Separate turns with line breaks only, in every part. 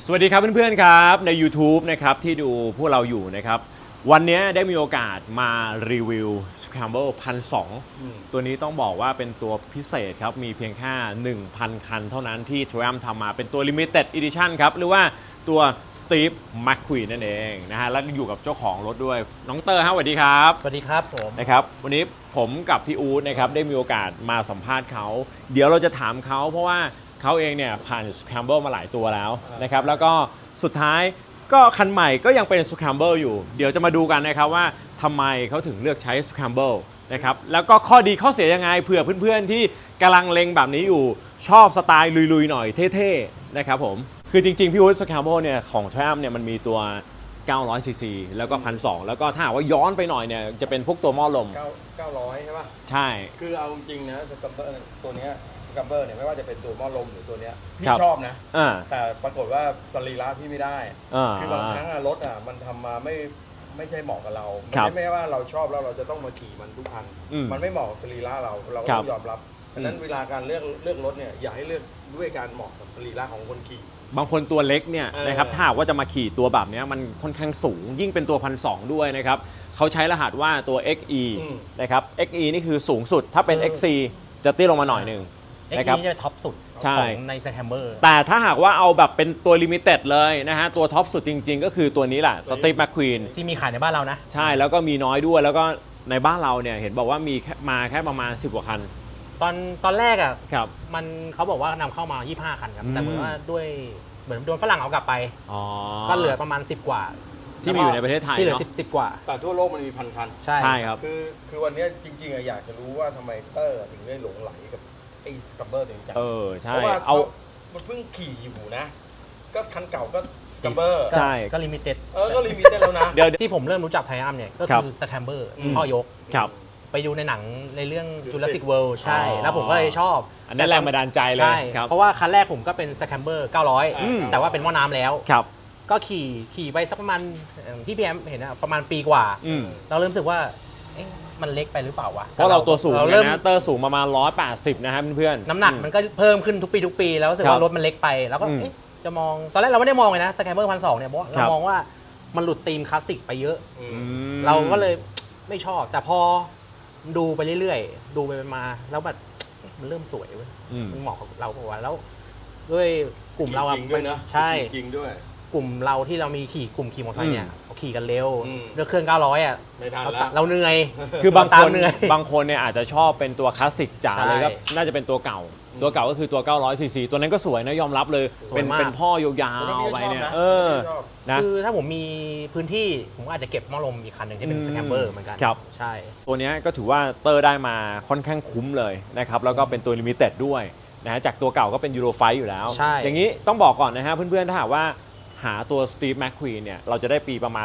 สวัสดีครับเพื่อนๆครับใน YouTube นะครับที่ดูพวกเราอยู่นะครับวันนี้ได้มีโอกาสมารีวิว Scramble 1,200ตัวนี้ต้องบอกว่าเป็นตัวพิเศษครับมีเพียงแค่ 1,000 คันเท่านั้นที่ Triumph ทำมาเป็นตัว Limited Edition ครับหรือว่าตัว Steve McQueen นั่นเองนะฮะแล้วอยู่กับเจ้าของรถด้วยน้องเตอร์ครับสวัสดีครับ
สวัสดีครับผม
นะครับวันนี้ผมกับพี่อู๊ดนะครับได้มีโอกาสมาสัมภาษณ์เขาเดี๋ยวเราจะถามเขาเพราะว่าเขาเองเนี่ยผ่าน Scramble มาหลายตัวแล้วนะครับแล้วก็สุดท้ายก็คันใหม่ก็ยังเป็น Scramble อยู่เดี๋ยวจะมาดูกันนะครับว่าทำไมเขาถึงเลือกใช้ Scramble นะครับแล้วก็ข้อดีข้อเสียยังไงเผื่อเพื่อนๆที่กำลังเล็งแบบนี้อยู่ชอบสไตล์ลุยๆหน่อยเท่ๆนะครับผมคือจริงๆพี่อู๊ด Scramble เนี่ยของ Triumph เนี่ยมันมีตัว900 ซีซี แล้วก็ 1,200 แล้วก็ถ้าหากว่าย้อนไปหน่อยเนี่ยจะเป็นพวกตัวหม้อลม
900ใช่ป่ะ
ใช่
คือเอาจริงๆนะสกัมเบอร์ตัวเนี้ยสกัมเบอร์เนี่ยไม่ว่าจะเป็นตัวหม้อลมหรือตัวเนี้ยพี่
ครับ
ชอบนะ
อ่า
แต่ปรากฏว่าสรีระพี่ไม่ได้ คือบางครั้งอะรถอะมันทำมาไม่ใช่เหมาะกับเรา
ครับ
ไม่ว่าเราชอบแล้วเราจะต้องมาขี่มันทุกคัน มันไม่เหมาะกับสรีระเราก็
ครั
ต้
บ
องยอมรับดังนั้นเวลาการเลือกรถเนี่ยอย่าให้เลือกด้วยการเหมาะกับสรีระของคนขี่
บางคนตัวเล็กเนี่ย
เออ
นะครับถ้าหากว่าจะมาขี่ตัวแบบเนี้ยมันค่อนข้างสูง ยิ่งเป็นตัว 1,200 ด้วยนะครับเขาใช้รหัสว่าตัว XE นะครับ XE นี่คือสูงสุดถ้าเป็น XC จะเตี้ยลงมาหน่อยหนึ่ง
เอ็ก
นะครับ
นี่จะท็อปสุด
ใช่
ของใน Scramble
แต่ถ้าหากว่าเอาแบบเป็นตัวลิมิเต็ดเลยนะฮะตัวท็อปสุดจริงๆ ก็คือตัวนี้แหละ Steve McQueen
ที่มีขายในบ้านเรานะ
ใช่แล้วก็มีน้อยด้วยแล้วก็ในบ้านเราเนี่ยเห็นบอกว่ามีมาแค่ประมาณ 10 กว่าคัน
ตอนแรกอ่ะ
ครับ
มันเขาบอกว่านำเข้ามา 25 คันครับ
อืม
แต่เหมือนว่าด้วยเหมือนโดนฝรั่งเอากลับไป
อ๋อ
ก็เหลือประมาณ 10 กว่า
ที่มีอยู่ในประเทศไทย
ที่เหลือ
เนาะ
10 กว่า
แต่ทั่วโลกมันมีพันคัน
ใช่
ใช่ครับ
คือวันเนี้ยจริงๆอะอยากจะรู้ว่าทำไมเตอร์ถึงได้หลงไหลกับไอ้สกัมเบอร์ตัวนี้จัง
ใช่
เพราะว่า
เอา
มันเพิ่งขี่อยู่นะ ก็คันเก่าก็สกัมเบอร์
ใช่
ก็ลิมิเต็ด
ก็ลิมิเต็ดแล้วนะ
เดี๋ยว
ที่ผมเริ่มรู้จักไทอัมเนี่ยก็
ครับ
คือ Scramble
อืม
พ่อยก
ครับ
ไปดูในหนังในเรื่อง
Jurassic
Jurassic World ใช่
อ๋อ
แล้วผมก็เลยชอบ
อันนั้นแรงบันดาลใจเลย
ใช่
ครับ
เพราะว่าคันแรกผมก็เป็น Scramble
อืม
900 แต่ว่าเป็นหม้อน้ำแล้ว
ครับ
ก็ขี่ไปสักประมาณที่พี่แอมเห็นอะประมาณปีกว่า
อืม
เราเริ่มรู้สึกว่าเอ๊ะมันเล็กไปหรือเปล่าวะ
เพราะเราตัวสูง
เรา
เล
เริ่
ย
ม
นะเตอร์สูงประมาณ180นะครับเพื่อนๆ
น้ำหนักมันก็เพิ่มขึ้นทุกปี แล้วรู้สึก
ครั
ว่า
บ
รถมันเล็กไป แล้วก็
อืม
เอ๊ะจะมองตอนแรกเราไม่ได้มองเลยนะสแคมเบอร์1,200เนี่ยเพราะ
ครั
เรา
บ
มองว่ามันหลุดธีมคลาสสิกไปเยอะ
อืม
เราก็เลยไม่ชอบ แต่พอดูไปเรื่อยๆ ดูไปมาแล้วแบบเอ๊ะมันเริ่มสวยเว้ย
อืม
มันเหมาะกับเราปะวะแล้วด้วยกลุ่มเราอะ
จริงด้วยนะ
ใช่
จริงด้วย
กลุ่มเราที่เรามีกลุ่มขี่มอเตอร์ไซค์เนี่ยเขาขี่กันเร็ว
อืม
ด้วยเครื่อง900อ่ะ
ไม่ทันแล้ว
เราเหนื่อย
คือบาง
ตา
ค
ม
น
เหนื่อย
บางคนเนี่ยอาจจะชอบเป็นตัวคลาสสิกจ๋า
ใช่
เลยก็น่าจะเป็นตัวเก่า ตัวเก่าก็คือตัว900ซีซีตัวนั้นก็สวยนะยอมรับเลย
สวย
เป็น
มาก
เป็นท่อยาว
คนนี้
ๆไปเนี่ย
ชอบนะ ชอบ
นะ
คือถ้าผมมีพื้นที่ผมก็อาจจะเก็บหม้อลมอีกคันหนึ่งที่เป็น
อืม
สแคมเบอร์เหมือนกัน
ครับ
ใช่
ตัวเนี้ยก็ถือว่าเตอร์ได้มาค่อนข้างคุ้มเลยนะครับแล้วก็เป็นตัวลิมิเต็ดด้วยนะฮะจากตัวเก่าก็เป็นยูโรไฟอยู่แล้ว
ใช่
อย่างนี้ต้องบอกก่อนนะฮะเพื่อนๆถ้าหากว่าหาตัว Steve McQueen เนี่ยเราจะได้ปีประมาณ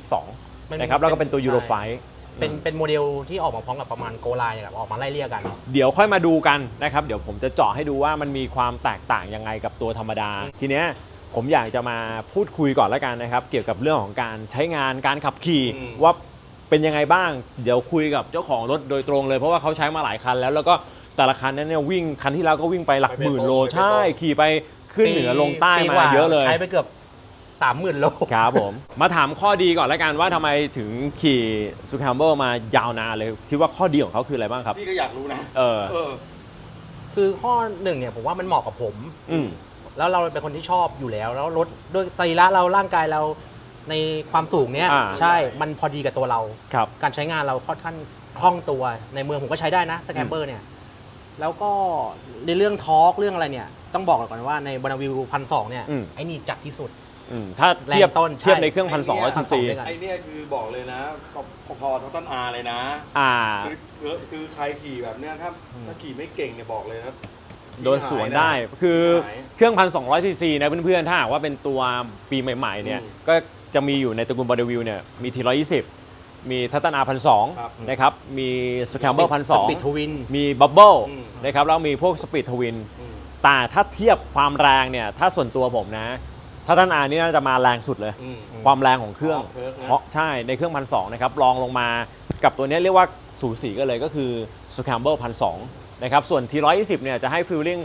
2022 นะครับแล้วก็เป็นตัวยูโรไฟ
เป็นโมเดลที่ออกมาพร้อมกับประมาณโกไลน์แบบออกมาไล่เรียกกัน
เดี๋ยวค่อยมาดูกันนะครับเดี๋ยวผมจะเจาะให้ดูว่ามันมีความแตกต่างยังไงกับตัวธรรมดา ทีเนี้ยผมอยากจะมาพูดคุยก่อนแล้วกันนะครับเกี่ยวกับเรื่องของการใช้งานการขับขี่
อืม
ว่าเป็นยังไงบ้าง เดี๋ยวคุยกับเจ้าของรถโดยตรงเลยเพราะว่าเขาใช้มาหลายคันแล้วก็แต่ละคันนั้นเนี่ยวิ่งคันที่แล้วก็วิ่งไปหลักหมื่นโลใช่ขี่ไปขึ้นเหนือลงใต้
ปีก
มา
ว่า
เยอะเลย
ใช้ไปเกือบ 30,000 โล
ครับผม มาถามข้อดีก่อนแล้วกันว่าทำไมถึงขี่ซูคัมเบิลมายาวนานเลยคิดว่าข้อดีของเขาคืออะไรบ้างครับ
พี่ก็อยากรู้นะ
เออ
คือข้อหนึ่งเนี่ยผมว่ามันเหมาะกับผม
อืม
แล้วเราเป็นคนที่ชอบอยู่แล้ว แล้วรถด้วยสรีระเราร่างกายเราในความสูงเนี้ย
อ่า
ใช่มันพอดีกับตัวเรา
ครับ
การใช้งานเราค่อนข้างคล่องตัวในเมืองผมก็ใช้ได้นะสแคมเบอร์เนี่ยแล้วก็ในเรื่องทอร์กเรื่องอะไรเนี่ยต้องบอกก่อนว่าในบนาวิว1,200เนี่ย
อืม
ไอ้นี่จัดที่สุด
ถ้าเทียบ
แรงต้นใช่
เทียบในเครื่อง 1,200 ซีซี
ด้วยกัน
ไอเนี่ยคือบอกเลยนะพอทั้งต้นอาเลยนะ
อ่า
คือใครขี่แบบเนี้ยถ้าขี่ไม่เก่งเนี่ยบอกเลยนะ
โดนสวนได้คือ
หาย
เครื่อง 1,200 ซีซีนะเพื่อนๆถ้าหากว่าเป็นตัวปีใหม่ๆเนี่ย
อืม
ก็จะมีอยู่ในตระกูลบอดวิวเนี่ยมีที120มีทัตตานา
ครับ
1,200นะครับมีสแคมเบิล
สปีดทวิน
1,200มีบับเบิล
อืม
นะครับแล้วมีพวกสปีดทวิน แต่ถ้าเทียบความแรงเนี่ยถ้าส่วนตัวผมนะถ้าท่านอานี่น่าจะมาแรงสุดเลย ความแรงของเครื่อง
เพิร์กนะ
เพราะใช่ในเครื่อง 1,200 นะครับรองลงมากับตัวนี้เรียกว่าสูสีกันเลยก็คือ Scramble 1,200 นะครับส่วน T120 เนี่ยจะให้ฟีลลิ่ง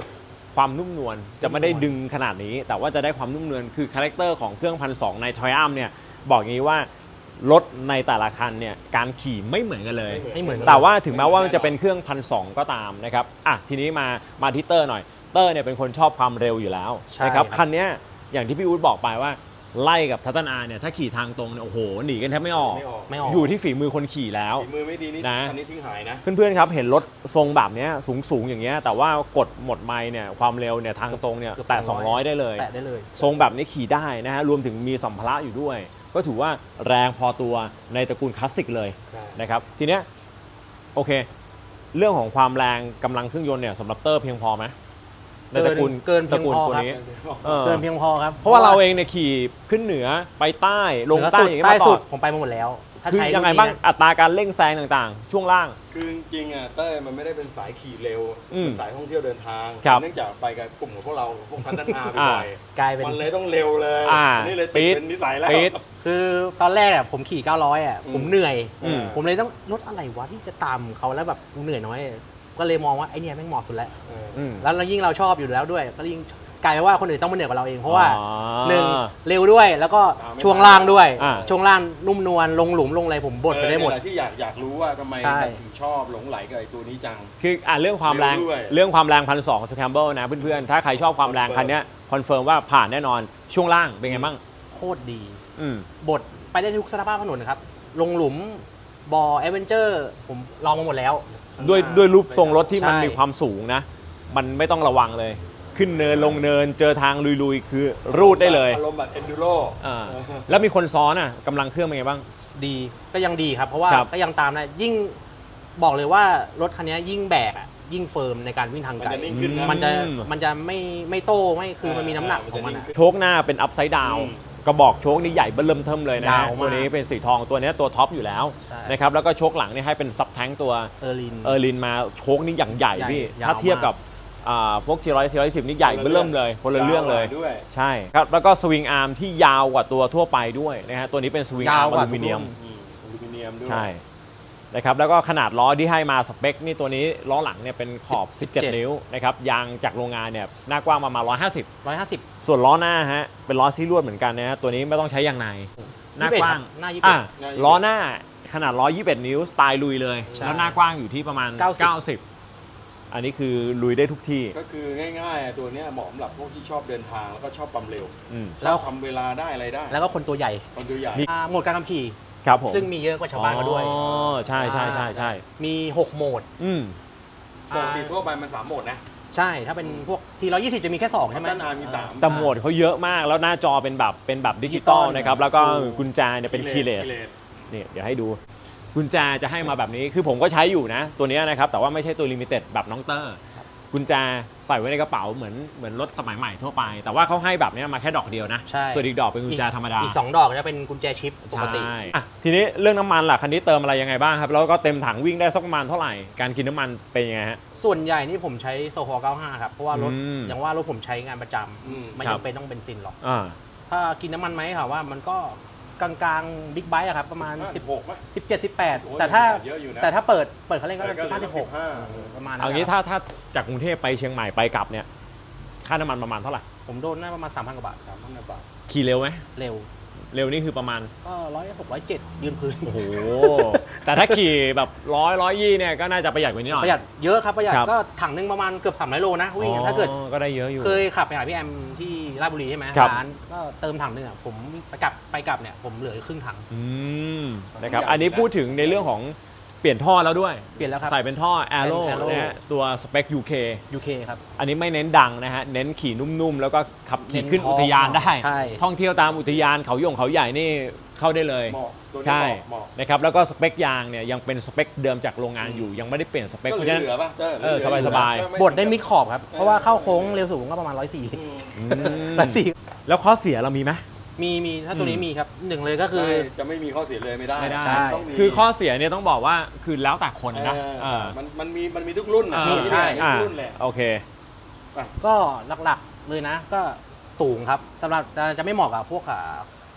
ความนุ่มนวลจะไม่ได้ดึงขนาดนี้ แต่ว่าจะได้ความนุ่มนวลคือคาแรคเตอร์ของเครื่อง 1,200 ใน Triumph เนี่ยบอกอย่างนี้ว่ารถในแต่ละคันเนี่ยการขี่ไม่เหมือนกันเลย
ไม่เหมือนกัน
แต่ว่าถึงแม้ว่ามันจะเป็นเครื่อง 1,200 ก็ตามนะครับอ่ะทีนี้มาที่เตอร์หน่อยเตอร์เนี่ยเป็นคนชอบความเร็วอยู่แล้ว
ใช่
นะครับ
ครับ
คันเนี้ยอย่างที่พี่อู๊ดบอกไปว่าไล่กับทัตตานาเนี่ยถ้าขี่ทางตรงเนี่ยโอ้โหหนีกันแทบไม่ออก
ไม่ออก
อยู่ที่ฝีมือคนขี่แล้ว
ฝีมือไม่ดีนี่
นะ
คันนี้ทิ้งหายนะ
เพื่อนๆครับเห็นรถทรงแบบเนี้ยสูงอย่างเงี้ยแต่ว่ากดหมดไมล์เนี่ยความเร็วเนี่ยทางตรงเนี่ย
เกือบ
แตะ 200 ได้เลย
แตะได้เลย
ทรงแบบนี้ขี่ได้นะฮะรวมถึงมีสัมภาระอยู่ด้วย ก็ถือว่าแรงพอตัวในตระกูลคลาสสิกเลย
ใช่
นะครับทีเนี้ยโอเค เรื่องของความแรงกำลังเครื่องยนต์เนี่ยสำหรับเตอร์เพียงพอไหมในตระกูล
เกินเพี
ต
ย
ระ
ง
กูล
พอ
ตัว
ครับ
นี้
เกินเพียงพอครับ
เพราะว่าเราเองเนี่ยขี่ขึ้นเหนือไปใต้ลง
เหนือ
ใต้
สุด
อย่างเงี้ย
ใต้
มาต่
สุ
อ
ดผมไปมาหมดแล้ว ถ้า
คือ
ใช้
ยังไง
รุ่นนี้
บ้าง
นะ
อัตราการเร่งแซงต่างๆ ช่วงล่าง
คือจริงๆอ่ะเต้ยมันไม่ได้เป็นสายขี่เร็ว
อืม
เป็นสายท่องเที่ยวเดินทาง
ครับ
เนื่องจากไปกับกลุ่มของพวกเราพวกพัฒนาไป
อ่า
บ่อย
กลายเป็น
มันเลยต้องเร็วเลย
อ่า
นี่เลย
ปี๊
ติด
ด
เป็นนิสัยแล้ว
ปี๊ด
คือตอนแรกอะผมขี่ 900อะผมเหนื่อย
อืม
ผมเลยต้องรถอะไรวะที่จะตามเขาแล้วแบบกูเหนื่อยน้อย ก็เลยมองว่าไอเนี่ยแม่งเหมาะสุดแล้ว
เออ
อืม
แล้วเรายิ่งเราชอบอยู่แล้วด้วย ก็ยิ่งกลายเป็นว่าคนอื่นต้องมาเหนื่อยกว่าเราเอง เพราะว่า
อ๋อ
หนึ่งเร็วด้วยแล้วก็
ตามไม่
ช่วงล่างด้วย
อ่า
ช่วงล่างนุ่มนวลลงหลุมลงอะไรผมบดไปได้หมด
เออเนี่ยแหละที่อยากรู้ว่าทำไม
ใช่
แบบถึงชอบหลงไหลกับไอ้ตัวนี้จัง
คือเรื่องความแรง
เร็วด้วย
เรื่องความแรง1,200สแคมเบิลนะเพื่อนๆถ้าใครชอบความแรงคันเนี้ยคอนเฟิร์มว่าผ่านแน่นอนช่วงล่างเป็นไงบ้าง
โคตรดี
อืม
บดไปได้ทุกสภาพถนนนะครับ ลงหลุมบอแอดเวนเจอร์ผมลองมาหมดแล้ว
ด้วยรูปทรงรถที่มัน
ใช่
มีความสูงนะ มันไม่ต้องระวังเลย ขึ้นเนินลงเนินเจอทางลุยๆ คือรูดได้เลย
อารมณ์แบบเอนดูโร
อ่าแล้วมีคนซ้อนอ่ะกำลังเครื่องเป็นไงบ้าง
ดีก็ยังดีครับ เพราะว่า
ครับ
ก็ยังตามได้ยิ่งบอกเลยว่ารถคันนี้ยิ่งแบกอะยิ่งเฟิร์มในการวิ่งทาง
มัน
ไกล
จะนิ่งขึ้นนะ
มันจะไม่โต้ไม่คือมันมีน้ำหนักของมันอะ
โชคหน้าเป็นอัพไซด์ดาว
อืม
กระบอกโชคนี่ใหญ่เบิ่มเทิมเลยนะ
ยาวมาก
ตัวนี้เป็นสีทองตัวเนี้ยตัวท็อปอยู่แล้ว
ใช่
นะครับแล้วก็โชคหลังนี่ให้เป็นซับแทงตัว
เออร์ลิน
เออร์ลินมาโชคนี่อย่างใหญ่
ใหญ่
พี่
ยาว
ถ้าเทียบกับพวกที110นี่ใหญ่เบิ่มเลยคนละเรื่องเลย
าวกว่าด้วย
ใช่ครับแล้วก็สวิงอาร์มที่ยาวกว่าตัวทั่วไปด้วยนะฮะตัวนี้เป็นสวิงอาร์มอลูมิเนียม
อลูมิเนียมด้วย
ใช่นะครับแล้วก็ขนาดล้อที่ให้มาสเปคนี่ตัวนี้ล้อหลังเนี่ยเป็นขอบ 17 นิ้วนะครับยางจากโรงงานเนี่ยหน้ากว้างประมาณ150
150
ส่วนล้อหน้าฮะเป็นล้อซีลวดเหมือนกันนะฮะตัวนี้ไม่ต้องใช้ยางในหน้ากว้าง
หน้า21
อ่ะล้อหน้าขนาด121 นิ้วสไตล์ลุยเลย
ใช่
แล้วหน้ากว้างอยู่ที่ประมาณ 90 อันนี้คือลุยได้ทุกที่
ก็คือง่ายๆอ่ะตัวเนี้ยเหมาะสำหรับพวกที่ชอบเดินทางแล้วก็ชอบความเร็ว
อืม
แล้ว
ทำเวลาได้อะไรได้
แล้วก็คนตัวใหญ่
คนตัวใหญ่
โหมดการขับขี่
ครับผม
ซึ่งมีเยอะกว่าชาวบ้านเขาด้วย
อ๋อใช่ใช่ใช่ใช่
มี 6 โหมด
อืม
ปกติทั่วไปมัน3โหมดนะ
ใช่ถ้าเป็นพวกที120 จะมีแค่ 2 ใช่ไหม
พัฒนามี3
แต่โหมดเขาเยอะมากแล้วหน้าจอเป็นแบบดิจิตอล
ดิจิตอล
นะครับแล้วก็
ฟู
กุญแจเนี่ยเป็นคีย์เลส นี่เดี๋ยวให้ดูกุญแจจะให้มาแบบนี้คือผมก็ใช้อยู่นะ ตัวเนี้ยนะครับแต่ว่าไม่ใช่ตัวลิมิเต็ดแบบน้องเตอร์กุญแจใส่ไว้ในกระเป๋าเหมือนรถสมัยใหม่ทั่วไป แต่ว่าเขาให้แบบเนี้ยมาแค่ดอกเดียวนะ
ใช่
ส่วนอีกดอกเป็นกุญแจธรรมดา
อีก 2 ดอกจะเป็นกุญแจชิปปกติ
ใช่อ่ะทีนี้เรื่องน้ำมันล่ะคันนี้เติมอะไรยังไงบ้างครับแล้วก็เต็มถังวิ่งได้สักประมาณเท่าไหร่การกินน้ำมันเป็นยังไงฮะ
ส่วนใหญ่นี่ผมใช้โซฮอล์95 ครับ เพราะว่ารถ
อืม
อย่างว่ารถผมใช้งานประจ
อืม
ำไม่
ครับ
จำเป็นต้องเบนซินหรอก
อ่า
ถ้ากินน้ำมันไหมค่ะว่ามันก็กลางๆบิ๊กไบค์อะครับ ประมาณ
16ป่ะ
17
โอ้
18
ย
แต่ถ้า
เยอะอยู่นะ
แต่ถ้าเปิดเขาเล่นก็
ก็เหลือ
15 16
15
ประมาณนั้น
เอางี้
ครับ
ถ้าจากกรุงเทพไปเชียงใหม่ไปกลับเนี่ยค่าน้ำมันประมาณเท่าไหร่
ผมโดนน่าประมาณ 3,000 กว่าบาทครับ
3,000 บาท
ขี่เร็วไหม
เร็ว
เร็วนี่คือประมาณ
ก็106 107ยืนพื้น
โอ้โห แต่ถ้าขี่แบบ120เนี่ยก็น่าจะประหยัดกว่านี้หน่อย
ประหยัดเยอะครับประหยัด
ครับ
ก็ถังหนึงประมาณเกือบ300 โลนะวิ่ง
อ๋อ
ถ้าเกิด
ก็ได้เยอะอยู่
เคยขับไปหาพี่แอมที่ราชบุรีใช่ไหม
ครับ
ร้านก็เติมถังหนึงอ่ะผมไปกลับเนี่ยผมเหลือครึ่งถัง
อืมนะครับ
ใหญ่
อันนี้พูดถึงในเรื่องของเปลี่ยนท่อแล้วด้วย
เปลี่ยนแล้วครับ
ใส่เป็นท่อ Aero
เป็น Aero
นะฮะตัวสเปค UK
UK ครับ
อันนี้ไม่เน้นดังนะฮะ เน้นขี่นุ่มๆ แล้วก็ขับขี่
เน้น
ขึ้นอุทยานได้
ใช่
ท่องเที่ยวตามอุทยานเขาหยงเขาใหญ่นี่เข้าได้เลย
เหมาะตัวนี้
ใช่
เหมาะ
นะครับแล้วก็สเปคยางเนี่ยยังเป็นสเปคเดิมจากโรงงานอยู่ยังไม่ได้เปลี่ยนสเปค
ก็
เพ
เห
ราะฉะนั้น
ลือๆป่ะเต้
เออ
เหลือๆ
สบายๆ
ก็ม่
บดได้มิดขอบครับ เพราะว่าเข้าโค้งเร็วสูงก็ประมาณ 104
อืม
อืม
104
แล้วข้อเสียเรามีไหม
มีถ้าตัวนี้มีครับหนึ่งเลยก็คือ
ใช่จะไม่มีข้อเสียเลยไม่ได้
ไม่ได้
ใช่
ต้องมี
คือข้อเสียเนี่ยต้องบอกว่าคือแล้วแต่คนนะ
เออ
เออ
มันมีทุกรุ่นนะ
มี
ใช่
ทุกรุ่นแหละ
โอเค
ก็หลักๆเลยนะก็สูงครับสำหรับจะไม่เหมาะกับพวก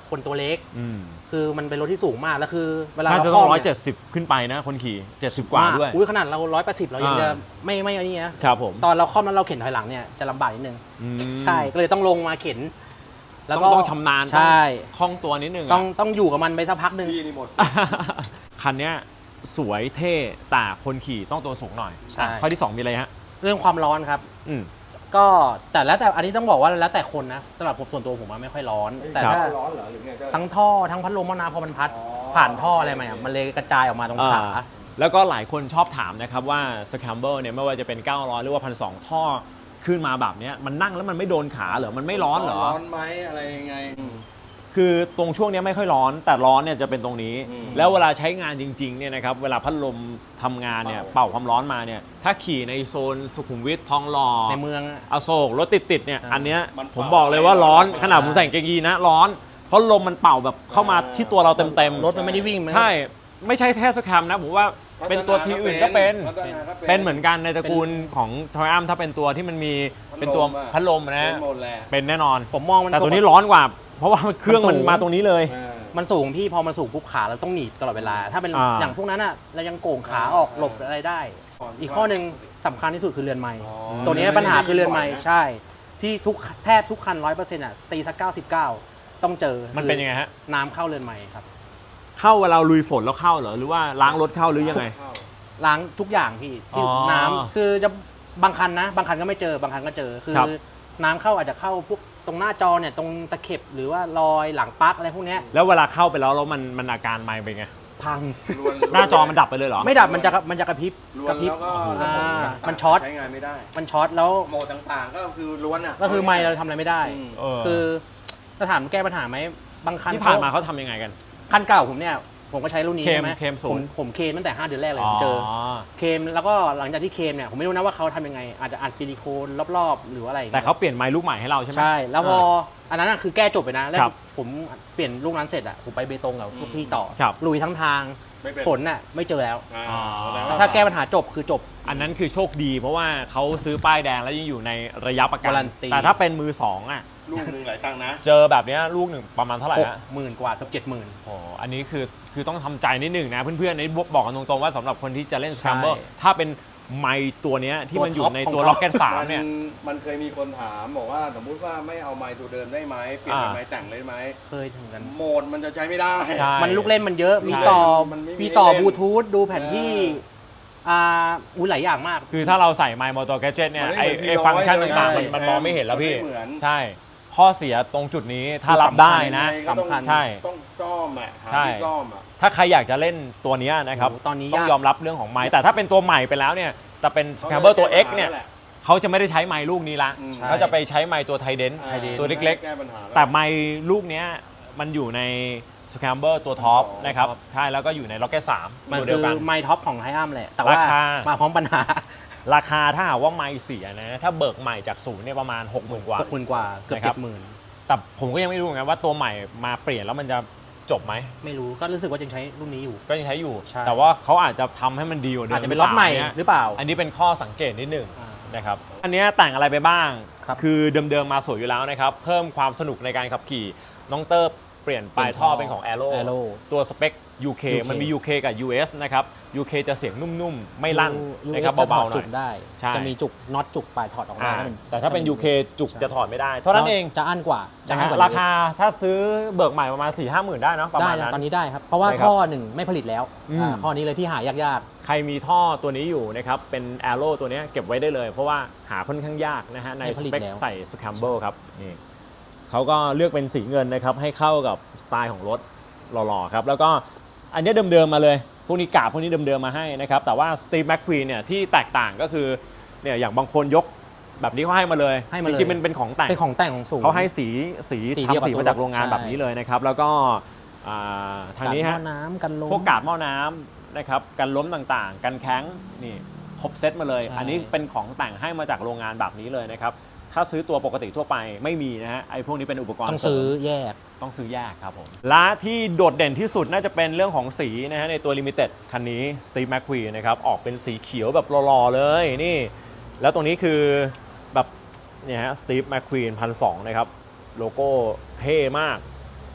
คนตัวเล็ก
อืม
คือมันเป็นรถที่สูงมากแล้วคือเวลา
น่า
เรา
จะ
ค
ต้
ล่
อ
อง ม
170 ขึ้นไปนะคนขี่ 70 กว่าด้วย
อุ้ยขนาดเรา180เรายังจะ
อ่า
ไม่อันนี้นะครับ
ผม
ตอนเราคล่อมแล้วเราเข็นถอยหลังเนี่ยจะลำบากนิดนึง
อืม
ใช่ก็เลยต้องลงมาเข็น แล้ว
ต้
ก็
องชำนาญ
ใช่
คล่องตัวนิดนึง
ต้องอยู่กับมันไปสักพักหนึ่ง
พี่นี่หมดสิ
คันเนี้ยสวยเท่แต่คนขี่ต้องตัวสูงหน่อย
ใช่
ข้อที่ 2 มีอะไรฮะ
เรื่องความร้อนครับ
อืม
ก็แต่อันนี้ต้องบอกว่าแล้วแต่คนนะสำหรับผมส่วนตัวผมว่าไม่ค่อยร้อน แต่
ครับ
ถ้า
ร้อนเหรอหรือไงก็
ทั้งท่อทั้งพัดลมหม้อน้ำพอมันพัด
อ๋อ
ผ่านท่ออะไรมาอ่ะมันเลยกระจายออกมาตรงขา
แล้วก็หลายคนชอบถามนะครับว่า Scrambler เนี่ยไม่ว่าจะเป็น 900 หรือว่า 1,200 ท่อขึ้นมาแบบเนี้ยมันนั่งแล้วมันไม่โดนขาเหรอ มันไม่ร้อนเหรอ
ร้อนไหมอะไรยังไง
คือตรงช่วงเนี้ยไม่ค่อยร้อนแต่ร้อนเนี่ยจะเป็นตรงนี้
อืม
แล้วเวลาใช้งานจริงๆเนี่ยนะครับเวลาพัดลมทำงานเนี่ยเป่าความร้อนมาเนี่ยถ้าขี่ในโซนสุขุมวิททองหล่อ
ในเมืองอะ
อโศกรถติดๆเนี่ย
ใช่
อันเนี้ย
มันเป่า
ผมบอกเลยว่าร้อน
ไม่ได้
ขนาดผมใส่กางเกงยีนนะร้อน เพราะลมมันเป่าแบบเข้ามาที่ตัวเราเต็ม
รถมันไม่ได้วิ่ง
ๆใช่ไม่ใช่แค่สแคมนะผมว่าเป็นตัวทีอื่นก็เป็น
พัฒาก็
เป็นเหมือนกันในตระกูลของทอยอัมถ้าเป็นตัวที่มันมีเป็นตัวพัดลมนะ
เป็นหมดแหละ
เป็นแน่นอน
ผมมองมัน
แต่ตัวนี้ร้อนกว่า เพราะว่าเครื่อง
มั
มัน
นสูง
มาตรงนี้เลย
มันสูงพี่พอมันสูงปุ๊บขาเราต้องหนีบตลอดเวลา ถ้าเป็น
อ่า
อย่างพวกนั้นอ่ะเรายังโก่งขาออกหลบอะไรได้ อีกข้อหนึ่งสำคัญที่สุดคือเรือนไม้
อ๋อ
ตัวนี้ปัญหาคือเรือนไม้
ไม่ได้ยินบ่อยนะ
ใช่ ที่แทบทุกคัน100%อ่ะตีสัก99ต้องเจอ
มันเป็นยังไงฮะ
น้ำเข้าเรือนไม้ครับ
เข้าเวลาลุยฝนแล้วเข้าเหรอหรือว่าล้างรถเข้าหรือยังไง
เข้า
ล้างทุกอย่างพี่ที่
อ๋อ
น้ำคือจะบางคันนะ บางคันก็ไม่เจอบางคันก็เจอคือ
ครับ
น้ำเข้าอาจจะเข้าพวกตรงหน้าจอเนี่ยตรงตะเข็บหรือว่ารอยหลังปลั๊กอะไรพวกเนี้ย
แล้วเวลาเข้าไปแล้วมันอาการไม่เป็นไง
พัง
ลวน
หน้าจอมันดับไปเลยเหรอ
ไม่ดับมันจะกระพริบ
ลว
ก
น
ระพริบ
แล้วก็
อ่า
ระบบต่างๆ
มันช็อต
ใช้งานไม่ได้
มันช็อตแล้ว
โหมดต่างๆ ก็คือล้วนอ่ะ
ก็คือไม่เราทำอะไรไม่ได้
อืม
เออ
คือจะถามแก้ปัญหาไหมบางคัน
ที่ผ่านมาเขาทำยังไงกัน
คันเก่าผมเนี่ยผมก็ใช้รุ่นนี้
เคม
ใช่ไหม
เคมศูนย์
ผมเคมตั้งแต่5 เดือนแรกเลยผมเจอเคมแล้วก็หลังจากที่เคมเนี่ยผมไม่รู้นะว่าเขาทำยังไงอาจจะอัดซิลิโคนรอบๆหรืออะไรอย่ง
แต่
งี้ย
เขาเปลี่ยนไม้ลูกใหม่ให้เราใช่ไหม
ใช่ แล้วพออันนั้นอะคือแก้จบไปนะ แล้ว
ครับ
ผมเปลี่ยนลูกนั้นเสร็จอะผมไปเบตงกับพวกพี่ต่อ
ครับ
ลุยทั้งทาง
ไม่เป็น
ฝนน่ะไม่เจอแล้ว
อ่าแสดงว่
ถ้าแก้ปัญหาจบคือจบ
อันนั้นคือโชคดีเพราะว่าเขาซื้อป้ายแดงแล้วยังอยู่ในระยะประกัน
การันตี
แต่ถ้าเป็นมือสองอ่ะ
ลูกหนึ่งหลายตังค์นะ
เจอแบบเนี้ยลูกหนึ่งประมาณเท่าไหร่ฮะ
60,000 กว่าเกือบ70,000
โอ้อันนี้คือต้องทำใจนิดหนึ่งนะเพื่อนๆในบอกกันตรงๆว่าสำหรับคนที่จะเล่น Scrambler ถ้าเป็นไมค์ตัวเนี้ยที่มันอยู่ในตัว
ตัวท็อป
Rocket 3เนี่ย
มันเคยมีคนถามบอกว่าสมมุติว่าไม่เอาไม้ตัวเดิมได้ไหมเปลี่ยนเป็นไม้แต่งเลยไหม
เคยถึงกัน
โหมดมันจะใช้ไม่ได้
ใช่
มันลูกเล่นมันเยอะ มี
ใช่
ต่อ
มันไม่มี
มีต่อ
เล่น
บลูทูธดูแผนที่ หลายอย่างมาก
คือถ้าเราใส่ไมค์มอเตอร์แกจ็ตเนี่ย
มัน
ไอ
ไม่เหมือน
ไอฟังก์ชัน
ที่
ต่าง
ร้อย
ๆมันมองไม่เห็นแล้วพี่
มันไม่เหมือน
ใช่ ข้อเสียตรงจุดนี้ถ้ารับได้นะ
ยังไงก็ต้อง
สำคัญ
ใช่
ต้องซ่อมอ่ะหา
ใช่
ที่ซ่อมอ่ะ
ถ้าใครอยากจะเล่นตัวเนี้ยนะครับ
โอ้โหตอนนี้
ต้อง
ยาก
ยอมรับเรื่องของไมค์แต่ถ้าเป็นตัวใหม่ไปแล้วเนี่ยแต่เป็น Scrambler ตัว X เนี่ย
แหละ
เขาจะไม่ได้ใช้ไมค์ลูกนี้ละ
อืม
เขาจะไปใช้ไมค์ตัวไทเดน
อ่า
ตัวเล็ก
แก้ปัญหา
ๆ แต่ไมค์ลูกเนี้ยมันอยู่ใน Scrambler ตัวท็อป
ท็อป
นะครับใช่แล้วก็อยู่ใน Rocket 3
มัน
ตัว
คื
เดียว
อ
กัน
ไมท็อปของไฮอัมแหละ แต่ว่า
ราคา
มาพร้อมปัญหา
ราคาถ้าหากว่าไมค์เสียนะถ้าเบิกใหม่จากศูนย์เนี่ยประมาณ 60,000 กว่า
60,000 กว่าเกือบ
นะครับ
70,000
แต่ผมก็ยังไม่รู้เหมือนกันว่าตัวใหม่มาเปลี่ยนแล้วมันจะจบไหม
ไม่รู้ก็รู้สึกว่ายังใช้รุ่นนี้อยู่
ก็ยังใช้อยู่
ใช่
แต่ว่าเขาอาจจะทำให้มันดีกว่าเดิม
อาจจะเป็นล็อตใหม่
เนี่ย
หรือเปล่า
อันนี้เป็นข้อสังเกตนิดหนึ่ง
อ่า
นะครับอันเนี้ยแต่งอะไรไปบ้าง
ครับ
คือเดิมๆมาสวยอยู่แล้วนะครับเพิ่มความสนุกในการขับขี่น้องเตอร์เปลี่ยนปลายท่อเป็นของ Aero ตัวสเปค UK มันมี UK กับ US นะครับ UK จะเสียงนุ่มๆ ไม่ลั่น
US
นะครับ
จะถ
เบา
อด
ๆหน่
จุ
อย
กได้
ใช่
จะมีจุกน็อตจุกปลายถอดออกได้
แต่ถ้าเป็น UK จุกจะถอดไม่ได้ เท่านั้นเอง
จะอั้นกว่าจะ
นะ
อั้
ฮะ
นกว่า
ราคาถ้าซื้อเบิกใหม่ประมาณ 4-5 หมื่นได้เนาะประ
ได้
มาณ
นะ
นั้น
ตอนนี้ได้ครับ เพราะว่า
ได้ครับ
ท่อหนึ่งไม่ผลิตแล้ว
อืม
ข้อนี้เลยที่หายาก
ใครมีท่อตัวนี้อยู่นะครับเป็น Aero ตัวเนี้ยเก็บไว้ได้เลย เพราะว่าหาค่อนข้างยากนะฮะใน
ไม่
ส
ผลิต
เปค
แล้ว
ใส่ Scrambler ครับนี่เขาก็เลือกเป็นสีเงินนะครับให้เข้ากับสไตล์ของรถหล่อๆครับแล้วก็อันเนี้ยเดิมๆมาเลยพวกนี้กาบพวกนี้เดิมๆมาให้นะครับแต่ว่า Steve McQueen เนี่ยที่แตกต่างก็คือเนี่ยอย่างบางคนยกแบบนี้เขาให้มาเลย
ให้มาเลย
จริงๆมันเป็นของแต่ง
เป็นของแต่งของสูง
เขาให้สี
สีเดียวกับ
ทำสี
ตัว
มาจากโรงงาน
ใช่
แบบนี้เลยนะครับแล้วก็ทางนี้
กั
ฮะ
หม้อน้ำกันลม
พวกกาบหม้อน้ำนะครับกันล้มต่างๆ กันแข้งนี่ครบเซตมาเลย
ใช่
อันนี้เป็นของแต่งให้มาจากโรงงานแบบนี้เลยนะครับถ้าซื้อตัวปกติทั่วไปไม่มีนะฮะไอ้พวกนี้เป็นอุปกรณ์
ต้อง
เสริ
ซื้อ
ม
แยก
ต้องซื้อแยกครับผมและที่โดดเด่นที่สุดน่าจะเป็นเรื่องของสีนะฮะในตัว Limited คันนี้ Steve McQueen นะครับออกเป็นสีเขียวแบบหล่อๆเลยนี่แล้วตรงนี้คือแบบเนี่ยฮะ Steve McQueen 1,200นะครับโลโก้เท่มาก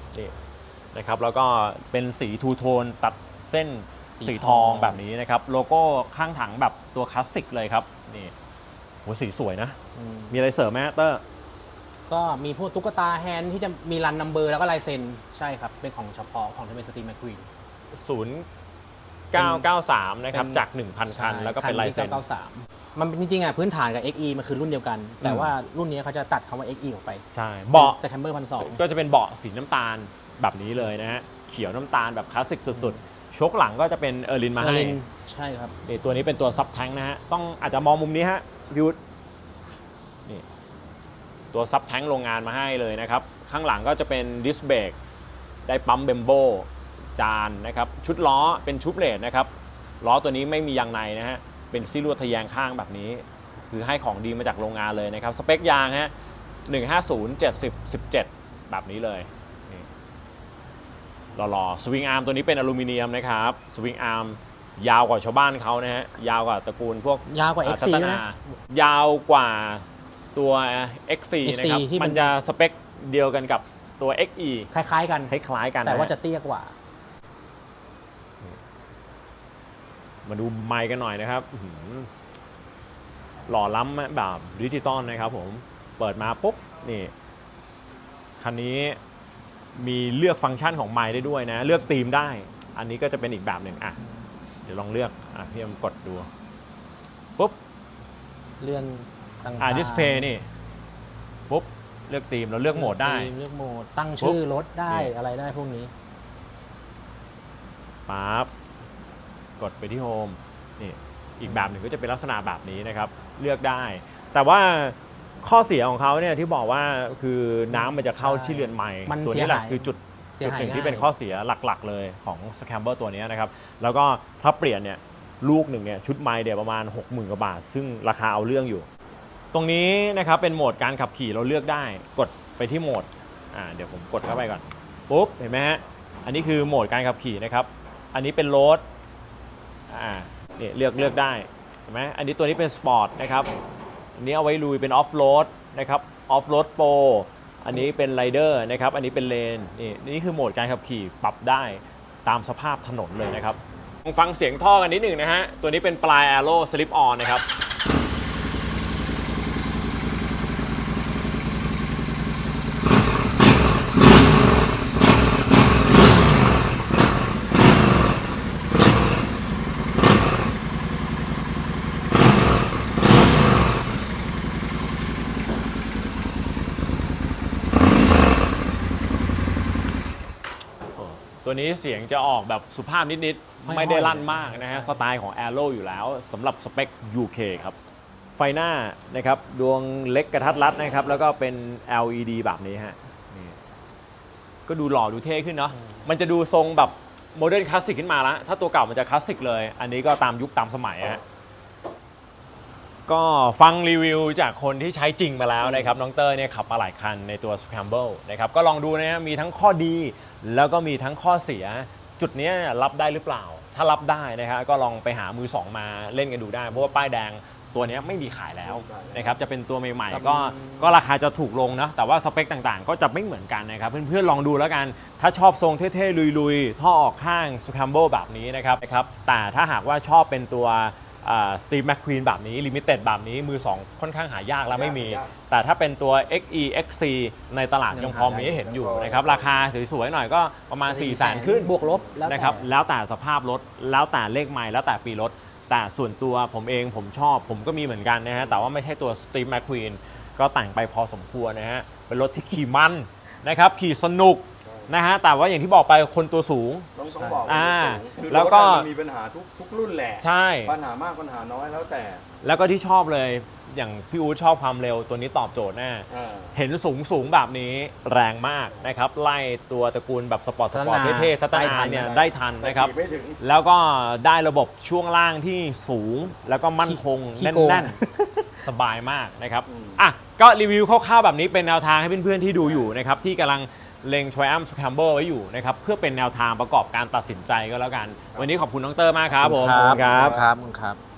นี่นะครับแล้วก็เป็นสีทูโทนตัดเส้นสีทองแบบนี้นะครับโลโก้ข้างถังแบบตัวคลาสสิกเลยครับนี่โหสีสวยนะ มีอะไรเสริมไหมเตอร์
ก็มีพวกตุ๊กตาแฮนด์ที่จะมีรันนัมเบอร์แล้วก็ลายเซ็นใช่ครับ เป็นของเฉพาะของที่เป็นสตีมแมคควีน
0993นะครับจาก 1,000 คันแล้วก็เป็นลายเซ็น
มันจริงๆอ่ะพื้นฐานกับ XE มันคือรุ่นเดียวกัน แต่ว่ารุ่นนี้เขาจะตัดคำว่า XE ออกไป
ใช่เบาะ
สแคมเบอร์1,200
ก็จะเป็นเบาะสีน้ำตาลแบบนี้เลยนะฮะเขียวน้ำตาลแบบคลาสสิกสุดๆชกหลังก็จะเป็นเออร์ลินมาให้
ใช่ครับ
นี่ตัวนี้เป็นตัวซับแทงนะฮะต้องอาจจะมองมุมนี้ฮะพิวนี่ตัวซับแทงโรงงานมาให้เลยนะครับข้างหลังก็จะเป็นดิสเบรกได้ปั๊มเบมโบจานนะครับชุดล้อเป็นชุบเลดนะครับล้อตัวนี้ไม่มียางในนะฮะเป็นซี่ลวดทะแยงข้างแบบนี้คือให้ของดีมาจากโรงงานเลยนะครับสเปคยางฮะ150/70/17แบบนี้เลยนี่หล่อๆสวิงอาร์มตัวนี้เป็นอลูมิเนียมนะครับสวิงอาร์มยาวกว่าชาวบ้านเขานะฮะยาวกว่าตระกูลพวก
ยาวกว่า XC
ทัต
ด้วย
นา
นะ
ยาวกว่าตัว XC นะครับ
ที่มัน
มันจะสเปคเดียวกันกับตัว XE
คล้ายๆกัน
คล้ายๆกัน
แต่ว่า
นะ
จะเตี้ยกว่า
มาดูไมค์กันหน่อยนะครับอื้อหือหล่อล้ำแบบดิจิตอลนะครับผมเปิดมาปุ๊บนี่คันนี้มีเลือกฟังก์ชันของไมค์ได้ด้วยนะเลือกธีมได้อันนี้ก็จะเป็นอีกแบบหนึ่งอ่ะเดี๋ยวลองเลือกพี่เอ็มกดดูปุ๊บ
เลื่อนต่างๆ
ดิสเพย์นี่ปุ๊บเลือกธีมเราเลือกโหมดได้
เลือกโหมดตั้งชื่อรถได้
นี่
อะไรได้พวกนี้
ปั๊บกดไปที่โฮมนี่อีกแบบหนึ่งก็จะเป็นลักษณะแบบนี้นะครับเลือกได้ แต่ว่าข้อเสียของเขาเนี่ยที่บอกว่าคือน้ำมันจะเข้าที่เรือนไม้
มัน
ตัวนี้แหละ
เสียหาย
คือจุด
เสียหาย
หนึ่งที่
ง่าย
เป็นข้อเสียหลักๆเลยของ Scrambler ตัวนี้นะครับแล้วก็ถ้าเปลี่ยนเนี่ยลูกหนึ่งเนี่ยชุดไม้เดี๋ยวประมาณ 60,000 กว่าบาท ซึ่งราคาเอาเรื่องอยู่ ตรงนี้นะครับเป็นโหมดการขับขี่เราเลือกได้กดไปที่โหมดเดี๋ยวผมกดเข้าไปก่อนปุ๊บเห็นไหมฮะอันนี้คือโหมดการขับขี่นะครับอันนี้เป็นโรดนี่เลือกได้เห็นไหมอันนี้ตัวนี้เป็นสปอร์ตนะครับอันนี้เอาไว้ลุยเป็นออฟโรดนะครับออฟโรดโปรอันนี้เป็นไรเดอร์นะครับอันนี้เป็นเลนนี่คือโหมดการขับขี่ปรับได้ตามสภาพถนนเลยนะครับลองฟังเสียงท่อกันนิดหนึ่งนะฮะตัวนี้เป็นปลาย Arrow Slip On นะครับตัวนี้เสียงจะออกแบบสุภาพนิดๆไม่ได้ลั่นมากนะฮะสไตล์ของ Arrow อยู่แล้วสำหรับสเปค UK ครับไฟหน้านะครับดวงเล็กกระทัดรัดนะครับแล้วก็เป็น LED แบบนี้ฮะนี่ก็ดูหล่อดูเท่ขึ้นเนาะมันจะดูทรงแบบโมเดิร์นคลาสสิกขึ้นมาแล้วถ้าตัวเก่ามันจะคลาสสิกเลยอันนี้ก็ตามยุคตามสมัยฮะก็ฟังรีวิวจากคนที่ใช้จริงมาแล้วนะครับน้องเตอร์เนี่ยขับมาหลายคันในตัว Scramble นะครับก็ลองดูนะฮะมีทั้งข้อดีแล้วก็มีทั้งข้อเสียจุดนี้รับได้หรือเปล่าถ้ารับได้นะฮะก็ลองไปหามือสองมาเล่นกันดูได้เพราะว่าป้ายแดงตัวนี้ไม่มีขายแล้วนะครับจะเป็นตัวใหม่ๆก็ราคาจะถูกลงนะแต่ว่าสเปคต่างๆก็จะไม่เหมือนกันนะครับเพื่อนๆลองดูแล้วกันถ้าชอบทรงเท่ๆลุยๆท่อออกข้าง Scramble แบบนี้นะครับแต่ถ้าหากว่าชอบเป็นตัวสตีฟแมคควีนแบบนี้ลิมิเต็ดแบบนี้มือ2ค่อนข้างหายากแล้วไม่มีแต่ถ้าเป็นตัว XE XC ในตลาดยังพอมีให้เห็นอยู่นะครับราคาสวยๆหน่อยก็ประมาณ 400,000 ขึ้น
บวกลบแล้วแต่
นะครับแล้วแต่สภาพรถแล้วแต่เลขไมล์แล้วแต่ปีรถแต่ส่วนตัวผมเองผมชอบผมก็มีเหมือนกันนะฮะแต่ว่าไม่ใช่ตัวสตีฟแมคควีนก็แต่งไปพอสมควรนะฮะเป็นรถที่ขี่มันนะครับขี่สนุกนะฮะแต่ว่าอย่างที่บอกไปคนตัวสูง
ต้องบอกคือ
แล้วก็
รถมันมีปัญหาทุกรุ่นแหละ
ใช่
ปัญหามากปัญหาน้อยแล้วแต่
แล้วก็ที่ชอบเลยอย่างพี่อู๊ดชอบความเร็วตัวนี้ตอบโจทย์แน่ เห็นสูงแบบนี้แรงมากนะครับไล่ตัวตระกูลแบบสปอร์ตเท่ๆสตาร์ทเนี่ยได้ทันนะครับ
แต่ขี่ไม่ถึง
แล้วก็ได้ระบบช่วงล่างที่สูงแล้วก็มั่นคง
ขี้
แ
โกง
น่นๆ สบายมากนะครับก็รีวิวคร่าวๆแบบนี้เป็นแนวทางให้เพื่อนๆที่ดูอยู่นะครับที่กำลังเล็ง Triumph Scrambler ไว้อยู่นะครับเพื่อเป็นแนวทางประกอบการตัดสินใจก็แล้วกันวันนี้ขอบคุณน้องเตอร์มากครับผม
ครับ